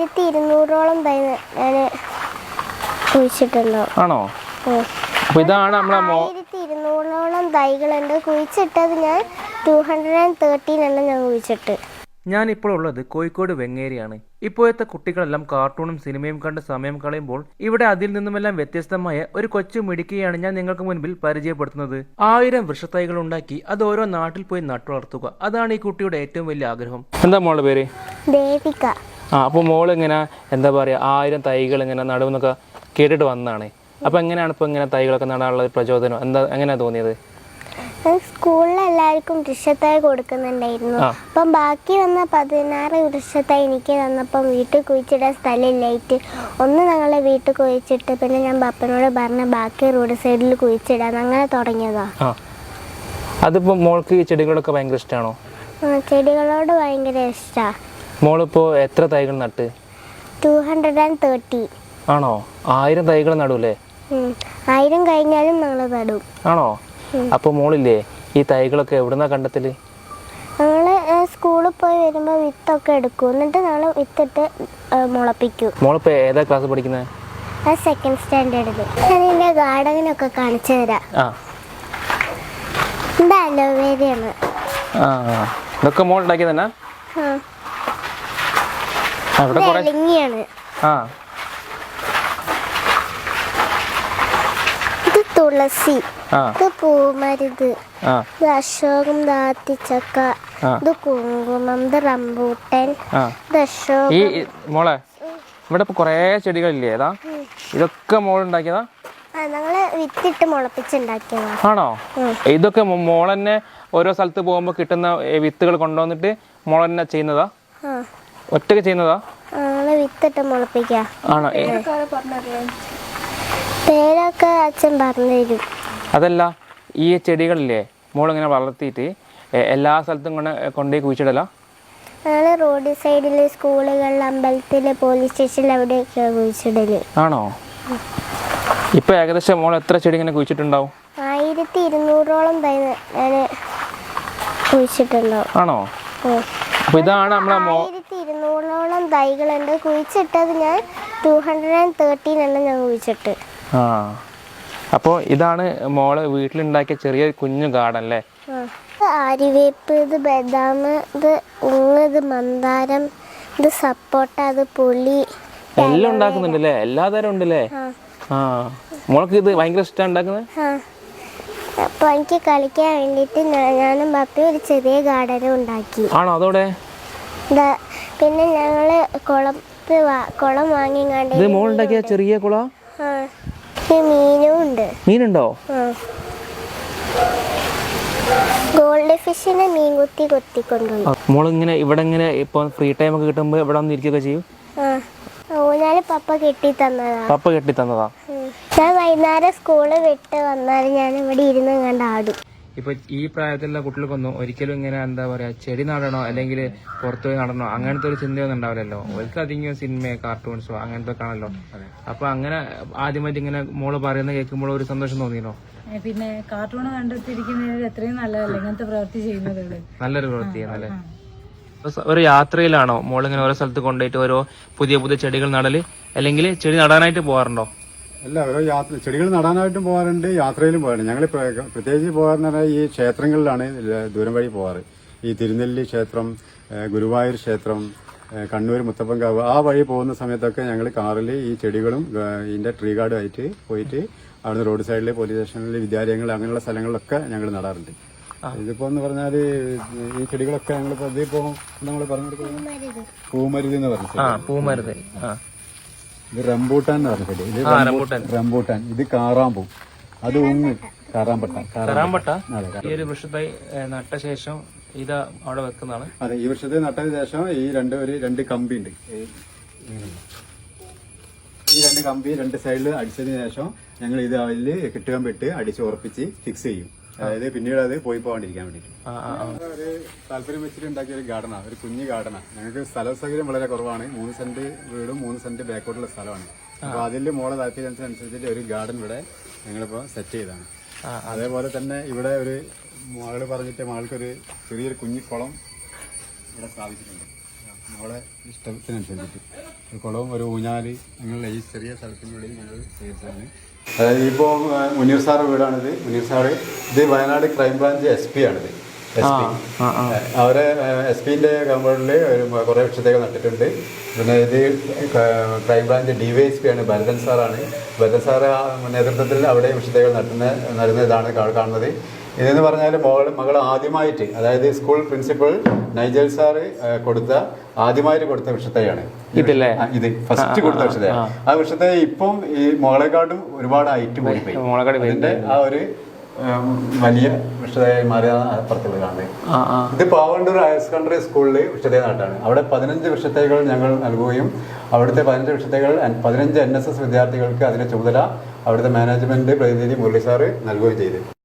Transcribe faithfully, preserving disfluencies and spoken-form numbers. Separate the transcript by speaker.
Speaker 1: ആയിരത്തി ഇരുന്നൂറോളം തൈ ഞാൻ കുഴിച്ചിട്ടുണ്ടോ?
Speaker 2: ആണോ? അപ്പോൾ ഇതാണ് നമ്മളെ
Speaker 1: ആയിരത്തി ഇരുന്നൂറോളം തൈകളുണ്ട്. കുഴിച്ചിട്ടത് ഞാൻ ടു ഹൺഡ്രഡ് ആൻഡ് തേർട്ടീൻ എണ്ണം ഞാൻ കുഴിച്ചിട്ട്.
Speaker 2: ഞാനിപ്പോൾ ഉള്ളത് കോഴിക്കോട് വെങ്ങേരിയാണ്. ഇപ്പോഴത്തെ കുട്ടികളെല്ലാം കാർട്ടൂണും സിനിമയും കണ്ട് സമയം കളയുമ്പോൾ ഇവിടെ അതിൽ നിന്നുമെല്ലാം വ്യത്യസ്തമായ ഒരു കൊച്ചു മിടുക്കിയാണ് ഞാൻ നിങ്ങൾക്ക് മുൻപിൽ പരിചയപ്പെടുത്തുന്നത്. ആയിരം വൃക്ഷത്തൈകൾ ഉണ്ടാക്കി അത് ഓരോ നാട്ടിൽ പോയി നട്ടുവളർത്തുക, അതാണ് ഈ കുട്ടിയുടെ ഏറ്റവും വലിയ ആഗ്രഹം. എന്താ മോളുടെ പേര്?
Speaker 1: ദേവിക.
Speaker 2: ആ, അപ്പോൾ മോൾ ഇങ്ങനെ എന്താ പറയുക, ആയിരം തൈകൾ ഇങ്ങനെ നടുവെന്നൊക്കെ കേട്ടിട്ട് വന്നതാണ്. അപ്പോൾ എങ്ങനെയാണ് ഇപ്പോൾ ഇങ്ങനെ തൈകളൊക്കെ നടാനുള്ള പ്രചോദനം എന്താ, എങ്ങനെയാണ് തോന്നിയത്?
Speaker 1: സ്കൂളിൽ എല്ലാവർക്കും വൃക്ഷത്തൈ കൊടുക്കുന്നുണ്ടായിരുന്നു. അപ്പം ബാക്കി വന്ന പതിനാറ് വൃക്ഷത്തൈ എനിക്ക് തന്നപ്പം വീട്ടിൽ കുഴിച്ചിടാൻ സ്ഥലമില്ലായിട്ട് ഒന്ന് ഞങ്ങളെ വീട്ടിൽ കുഴിച്ചിട്ട് പിന്നെ ഞാൻ പപ്പനോട് പറഞ്ഞ ബാക്കി റോഡ് സൈഡിൽ കുഴിച്ചിടാൻ അങ്ങനെ തുടങ്ങിയതാ.
Speaker 2: അതിപ്പോ മോൾക്ക് ഈ ചെടികളൊക്കെ ഭയങ്കര ഇഷ്ടമാണോ?
Speaker 1: ചെടികളോട് ഭയങ്കര ഇഷ്ടാ.
Speaker 2: മോളിപ്പോ എത്ര തൈകൾ നട്ട്?
Speaker 1: Two hundred and thirty.
Speaker 2: ആണോ? ആയിരം തൈകൾ നടൂലേ?
Speaker 1: ആയിരം കഴിഞ്ഞാലും ഞങ്ങൾ നടും.
Speaker 2: ആണോ? അപ്പൊ മോളില്ലേ ഈ തൈകളൊക്കെ എവിടുന്നാ കണ്ടെത്തല്?
Speaker 1: ഞങ്ങള് സ്കൂളിൽ പോയി വരുമ്പോ വിത്തൊക്കെ എടുക്കും, എന്നിട്ട് ഞങ്ങള് വിത്തിട്ട് മുളപ്പിക്കും.
Speaker 2: മോളിപ്പോ ഏതാ ക്ലാസ് പഠിക്കുന്നത്?
Speaker 1: സെക്കൻഡ് സ്റ്റാൻഡേർഡില്. ഞാൻ എന്റെ ഗാർഡനൊക്കെ കാണിച്ചു തരാം. ഇത് അലോവേരയാണ്.
Speaker 2: ഇതൊക്കെ മോൾ ഉണ്ടാക്കിയത് തന്നെ?
Speaker 1: ഇലങ്ങിയാണ്. ഇത് തുളസി, ഇത് പൂമരുത്, ഇത് അശോകം, ദാത്തിച്ചക്ക, ഇത് കുങ്കുമം, ഇത് റംബൂട്ടൻ, ഇത് അശോകം.
Speaker 2: മോളെ ഇവിടെ ഇപ്പൊ കൊറേ ചെടികളില്ലേ, ഏതാ ഇതൊക്കെ മോൾ ഉണ്ടാക്കിയതാ?
Speaker 1: ഞങ്ങള് വിത്തിട്ട് മുളപ്പിച്ചുണ്ടാക്കിയതാ.
Speaker 2: ആണോ? ഇതൊക്കെ മോൾ തന്നെ ഓരോ സ്ഥലത്ത് പോകുമ്പോ കിട്ടുന്ന വിത്തുകൾ കൊണ്ടുവന്നിട്ട് മോൾ തന്നെ ചെയ്യുന്നതാ? ഒറ്റക്ക് ചെയ്യുന്നതാ?
Speaker 1: വിത്തിട്ട് മുളപ്പിക്കാ.
Speaker 2: ആണോ?
Speaker 1: പേരൊക്കെ അച്ഛൻ പറഞ്ഞുതരും.
Speaker 2: അതല്ല, ഈ ചെടികളില്ലേ മോൾ ഇങ്ങനെ വളർത്തിയിട്ട് എല്ലാ സ്ഥലത്തും കൊണ്ട് കൊണ്ടുപോയി കുഴിച്ചിടല?
Speaker 1: ഞങ്ങള് റോഡ് സൈഡില്, സ്കൂളുകളിൽ, അമ്പലത്തില്, പോലീസ് സ്റ്റേഷനിൽ അവിടെയൊക്കെ കുഴിച്ചിടല്.
Speaker 2: ആണോ? ഇപ്പൊ ഏകദേശം മോൾ എത്ര ചെടി ഇങ്ങനെ കുഴിച്ചിട്ടുണ്ടാവും?
Speaker 1: ആയിരത്തി ഇരുന്നൂറോളം തൈ ഞാൻ കുഴിച്ചിട്ടുണ്ടാവും.
Speaker 2: ആണോ? അപ്പൊ ഇതാണ് നമ്മളെ
Speaker 1: ആയിരത്തി ഇരുന്നൂറോളം തൈകളുണ്ട്. കുഴിച്ചിട്ടത് ഞാൻ ടു ഹൺഡ്രഡ് ആൻഡ് തേർട്ടീൻ എണ്ണം ഞാൻ കുഴിച്ചിട്ട്.
Speaker 2: ആ, അപ്പോൾ ഇതാണ് മോള് വീട്ടിലുണ്ടാക്കിയ ചെറിയ കുഞ്ഞു ഗാർഡൻ അല്ലേ?
Speaker 1: ആര്യവേപ്പ്, ഇത് ബദാം, ഇത് ഉങ്ങ്, ഇത് മന്ദാരം, ഇത് സപ്പോട്ട, ഇത് പുളി,
Speaker 2: എല്ലാം ഉണ്ടാക്കുന്നുണ്ടല്ലേ? എല്ലാ തരം ഉണ്ടല്ലേ? ആ, മോൾക്ക് ഇത് ഭയങ്കര ഇഷ്ടമാണ് ഉണ്ടാക്കുന്നത്?
Speaker 1: അപ്പൊ എനിക്ക് കളിക്കാൻ വേണ്ടിട്ട് ഞാനും പപ്പയും ഒരു ചെറിയ ഗാർഡനും ഉണ്ടാക്കി.
Speaker 2: ആണോ? അതോടെ
Speaker 1: പിന്നെ ഞങ്ങള് കുളം കുളം വാങ്ങിങ്ങാണ്ട്.
Speaker 2: ഇത് മോൾ ഉണ്ടാക്കിയ ചെറിയ കുളം?
Speaker 1: മീനും ഉണ്ട്.
Speaker 2: മീനുണ്ടോ?
Speaker 1: ഗോൾഡ് ഫിഷിനെ മീൻ കുത്തി കൊത്തി കൊണ്ടുപോയി.
Speaker 2: മോളിങ്ങനെ ഇവിടെ ഇങ്ങനെ ഇപ്പൊ ഫ്രീ ടൈം ഒക്കെ കിട്ടുമ്പോ ഇവിടെ വന്ന് ഇരിക്കുകയൊക്കെ ചെയ്യും?
Speaker 1: ഊഞ്ഞാല് പപ്പ കെട്ടി തന്നതാ.
Speaker 2: പപ്പ കെട്ടി തന്നതാ?
Speaker 1: ഞാൻ വൈകുന്നേരം സ്കൂള് വിട്ട് വന്നാലും ഞാൻ ഇവിടെ ഇരുന്ന് കണ്ട് ആടും.
Speaker 2: ഇപ്പൊ ഈ പ്രായത്തിലുള്ള കുട്ടികൾക്കൊന്നും ഒരിക്കലും ഇങ്ങനെ എന്താ പറയാ ചെടി നടണോ അല്ലെങ്കിൽ പുറത്തുപോയി നടണോ അങ്ങനത്തെ ഒരു ചിന്തയൊന്നും ഉണ്ടാവില്ലല്ലോ. അവർക്ക് അധികം സിനിമ, കാർട്ടൂൺസോ അങ്ങനത്തെ ഒക്കെ ആണല്ലോ. അപ്പൊ അങ്ങനെ ആദ്യമായിട്ട് ഇങ്ങനെ മോള് പറയുന്ന കേൾക്കുമ്പോൾ ഒരു സന്തോഷം തോന്നിയോ?
Speaker 3: പിന്നെ കാർട്ടൂൺ കണ്ടെത്തിയിരിക്കുന്നത് എത്രയും നല്ലതല്ലേ ഇങ്ങനത്തെ പ്രവൃത്തി ചെയ്യുന്നത്?
Speaker 2: നല്ലൊരു പ്രവൃത്തിയാണല്ലേ. ഒരു യാത്രയിലാണോ മോളിങ്ങനെ ഓരോ സ്ഥലത്ത് കൊണ്ടുപോയിട്ട് ഓരോ പുതിയ പുതിയ ചെടികൾ നടല്, അല്ലെങ്കിൽ ചെടി നടാനായിട്ട് പോകാറുണ്ടോ?
Speaker 4: അല്ല, ഓരോ യാത്ര ചെടികൾ നടാനായിട്ടും പോകാറുണ്ട്, യാത്രയിലും പോകാറുണ്ട്. ഞങ്ങൾ പ്രത്യേകിച്ച് പോകാറെന്ന് പറഞ്ഞാൽ ഈ ക്ഷേത്രങ്ങളിലാണ് ദൂരം വഴി പോകാറ്. ഈ തിരുനെല്ലി ക്ഷേത്രം, ഗുരുവായൂർ ക്ഷേത്രം, കണ്ണൂർ മുത്തപ്പൻകാവ്, ആ വഴി പോകുന്ന സമയത്തൊക്കെ ഞങ്ങൾ കാറിൽ ഈ ചെടികളും ഇതിന്റെ ട്രീ ഗാർഡും ആയിട്ട് പോയിട്ട് അവിടുന്ന് റോഡ് സൈഡിൽ, പോലീസ് സ്റ്റേഷനിൽ, വിദ്യാലയങ്ങൾ, അങ്ങനെയുള്ള സ്ഥലങ്ങളിലൊക്കെ ഞങ്ങൾ നടാറുണ്ട്. ഇതിപ്പോ എന്ന് പറഞ്ഞാല് ഈ ചെടികളൊക്കെ ഞങ്ങളിപ്പോ ഇതിപ്പോ നമ്മൾ പറഞ്ഞു കൊടുക്കുന്നത് പൂമരുത് എന്ന് പറഞ്ഞു.
Speaker 2: പൂമരുത്.
Speaker 4: ഇത് റംബൂട്ടാൻ എന്ന് പറഞ്ഞ ചെടി. ഇത് റംബൂട്ടാൻ. ഇത് കാറാമ്പൂ. അത് ഉങ്ങ്, കാറാമ്പട്ട.
Speaker 2: കാറാമ്പട്ട ഈ ഒരു വൃക്ഷത്തൈ നട്ട ശേഷം ഇത് അവിടെ വെക്കുന്നതാണ്.
Speaker 4: അതെ, ഈ വൃക്ഷത്തെ നട്ടതിന് ശേഷം ഈ രണ്ട് ഒരു രണ്ട് കമ്പി ഉണ്ട്. ഈ രണ്ട് കമ്പി രണ്ട് സൈഡിൽ അടിച്ചതിന് ശേഷം ഞങ്ങൾ ഇത് അതിൽ കെട്ടുകമ്പിട്ട് അടിച്ച് ഉറപ്പിച്ച് ഫിക്സ് ചെയ്യും. അതായത് പിന്നീട് അത് പോയി പോകാണ്ടിരിക്കാൻ വേണ്ടിട്ട് ഒരു താല്പര്യം വെച്ചിട്ട് ഉണ്ടാക്കിയ ഒരു ഗാർഡനാണ്, ഒരു കുഞ്ഞു ഗാർഡനാണ്. ഞങ്ങൾക്ക് സ്ഥല സൗകര്യം വളരെ കുറവാണ്. മൂന്ന് സെന്റ് വീടും മൂന്ന് സെന്റ് ബാക്കോട്ടുള്ള സ്ഥലമാണ്. അപ്പൊ അതിൽ മോളെ താല്പര്യത്തിനനുസരിച്ചിട്ട് ഒരു ഗാർഡൻ ഇവിടെ ഞങ്ങളിപ്പോ സെറ്റ് ചെയ്താണ്. അതേപോലെ തന്നെ ഇവിടെ ഒരു മകള് പറഞ്ഞിട്ട് മകൾക്കൊരു ചെറിയൊരു കുഞ്ഞു കുളം ഇവിടെ സ്ഥാപിച്ചിട്ടുണ്ട്. നമ്മളെ ഇഷ്ടത്തിനനുസരിച്ചിട്ട് കുളവും ഒരു ഊഞ്ഞാല് ഞങ്ങളുടെ ഈ ചെറിയ സ്ഥലത്തിനുള്ളിൽ ഞങ്ങൾ ചെയ്തതാണ്. അതായത് ഇപ്പോൾ മുനീർ സാറ് വീടാണിത്. മുനീർ സാറ് ഇത് വയനാട് ക്രൈംബ്രാഞ്ച് എസ് പി ആണിത്. എസ് പി അവരെ എസ് പിന്റെ കമ്പൗണ്ടിൽ കുറേ വൃക്ഷത്തൈകൾ നട്ടിട്ടുണ്ട്. പിന്നെ ഇത് crime branch D Y S P ആണ്, ഭരതൻ സാറാണ്. ഭരതൻ സാറ് നേതൃത്വത്തിൽ അവിടെ വൃക്ഷത്തൈകൾ നട്ടുന്ന നടുന്ന ഇതാണ് കാണുന്നത്. ഇതെന്ന് പറഞ്ഞാൽ മകൾ മകൾ ആദ്യമായിട്ട്, അതായത് സ്കൂൾ പ്രിൻസിപ്പൽ നൈജൽ സാറ് കൊടുത്ത ആദ്യമായിട്ട് കൊടുത്ത വൃക്ഷത്തൈയാണ്
Speaker 2: ഇതല്ലേ?
Speaker 4: ഇത് ഫസ്റ്റ് കൊടുത്ത വൃക്ഷത്തൈ. ആ വൃക്ഷത്തൈ ഇപ്പം ഈ മോളെക്കാട്ടും ഒരുപാട് ഹൈറ്റ് പോയിപ്പോയി. അതിന്റെ ആ ഒരു വലിയ വൃക്ഷതയായി മാറിയാണ് അപ്പുറത്തുള്ള കാണുന്നത്. ഇത് പാവണ്ടൂർ ഹയർ സെക്കൻഡറി സ്കൂളിൽ വൃക്ഷതൈ നാട്ടാണ്. അവിടെ പതിനഞ്ച് വൃക്ഷത്തൈകൾ ഞങ്ങൾ നൽകുകയും അവിടുത്തെ പതിനഞ്ച് വൃക്ഷത്തൈകൾ പതിനഞ്ച് എൻ എസ് എസ് വിദ്യാർത്ഥികൾക്ക് അതിന്റെ ചുമതല അവിടുത്തെ മാനേജ്മെന്റ് പ്രതിനിധി മുരളി സാറ് നൽകുകയും ചെയ്തു.